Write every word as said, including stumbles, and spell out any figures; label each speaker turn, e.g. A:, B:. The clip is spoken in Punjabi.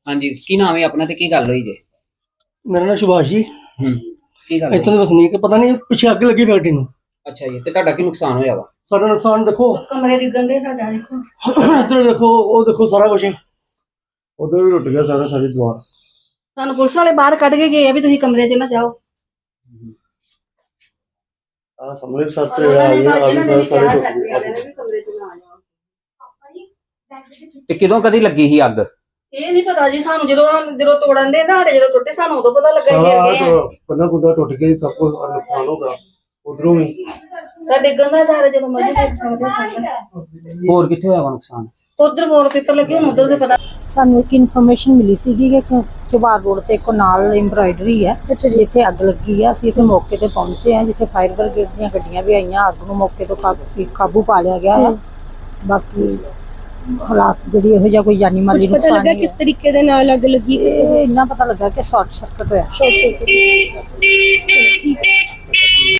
A: ਹਾਂਜੀ ਕੀ ਨਾਮ ਹੈ ਆਪਣਾ ਤੇ ਕੀ ਗੱਲ ਹੋਈ ਜੇ?
B: ਮੇਰਾ ਨਾਮ ਸੁਭਾਸ਼ ਜੀ।
A: ਹੂੰ ਕੀ ਗੱਲ
B: ਇੱਥੋਂ
A: ਹੋਈ?
B: ਦੇ ਵਸਨੀਕ ਪਤਾ ਨਹੀਂ ਪਿੱਛੇ ਅੱਗ ਲੱਗੀ ਫੈਕਟਰੀ ਨੂੰ।
A: ਅੱਛਾ ਜੀ ਤੇ ਤੁਹਾਡਾ ਕੀ ਨੁਕਸਾਨ ਹੋਇਆ ਵਾ?
B: ਸਾਡਾ ਨੁਕਸਾਨ ਦੇਖੋ,
C: ਕਮਰੇ ਡਿੱਗਣ ਦੇ ਸਾਡਾ ਦੇਖੋ।
B: ਇੱਧਰ ਦੇਖੋ, ਉਹ ਦੇਖੋ ਸਾਰਾ ਕੁਝ ਉਧਰ ਵੀ ਟੁੱਟ ਗਿਆ ਸਾਰਾ, ਸਾਰੀ ਦੀਵਾਰ।
C: ਸਾਨੂੰ ਪੁਲਿਸ ਵਾਲੇ ਬਾਹਰ ਕੱਢ ਕੇ ਗਏ ਆ ਵੀ ਤੁਸੀਂ ਕਮਰੇ 'ਚ ਨਾ ਜਾਓ।
B: ਆ ਸਾਹਮਣੇ ਸੱਤ ਆ ਗਿਆ, ਆ ਵੀ ਸਾਰੇ ਸਾਰੇ ਟੁੱਟ ਗਏ।
C: ਕਮਰੇ 'ਚ ਨਾ ਜਾਓ।
A: ਤੇ ਕਿਦੋਂ ਕਦੀ ਲੱਗੀ ਸੀ ਅੱਗ?
C: ਇਹ ਨਹੀਂ ਪਤਾ ਜੀ ਸਾਨੂੰ, ਜਦੋਂ ਜਦੋਂ ਤੋੜਨ ਦੇ ਨਾ ਜਦੋਂ ਟੁੱਟੇ ਸਾਨੂੰ ਉਦੋਂ ਪਤਾ ਲੱਗਾ ਕਿ
B: ਸਾਰਾ
C: ਅੱਗੇ ਆ।
B: ਬੰਦਾ ਗੁੰਦਾ ਟੁੱਟ ਗਿਆ, ਸਭ ਕੁਝ ਨੁਕਸਾਨ ਹੋ ਗਿਆ ਉਧਰੋਂ ਵੀ।
C: ਤਾਂ ਡਿੱਗਣ ਦਾ ਡਰ ਜਦੋਂ ਮਰਜ਼ੀ ਦੇਖ ਸਕਦੇ ਹੋ।
A: ਹੋਰ ਕਿੱਥੇ ਹੋਇਆ ਵਾ ਨੁਕਸਾਨ?
C: ਉਧਰ ਵਾਲਪੇਪਰ ਲੱਗੇ ਹੁਣ ਉਧਰ ਦੇ ਪਤਾ।
D: ਸਾਨੂੰ ਇੱਕ ਇਨਫੋਰਮੇਸ਼ਨ ਮਿਲੀ ਸੀਗੀ ਕਿ ਚੁਬਾਰ ਰੋਡ ਤੇ ਇੱਕ ਨਾਲ ਐਮਬਰਾਇਡਰੀ ਹੈ ਜਿੱਥੇ ਅੱਗ ਲੱਗੀ ਆ। ਅਸੀਂ ਇੱਥੇ ਮੌਕੇ ਤੇ ਪਹੁੰਚੇ ਆ, ਜਿੱਥੇ ਫਾਇਰ ਬ੍ਰਿਗੇਡ ਦੀਆਂ ਗੱਡੀਆਂ ਵੀ ਆਈਆਂ। ਅੱਗ ਨੂੰ ਮੌਕੇ ਤੋਂ ਕਾਬੂ ਕਾਬੂ ਪਾ ਲਿਆ ਗਿਆ ਹੈ। ਬਾਕੀ ਹਾਲਾਤ ਜਿਹੜੀ ਇਹੋ ਜਿਹਾ ਕੋਈ ਜਾਨੀ ਮਾਲੀ ਨੁਕਸਾਨ ਨਹੀਂ ਹੈ।
E: ਕਿਸ ਤਰੀਕੇ ਦੇ ਨਾਲ ਅੱਗ ਲੱਗੀ?
D: ਇਹ ਇੰਨਾ ਪਤਾ ਲੱਗਾ ਕਿ ਸ਼ਾਰਟ ਸਰਕਟ ਹੋਇਆ।
E: Short circuit.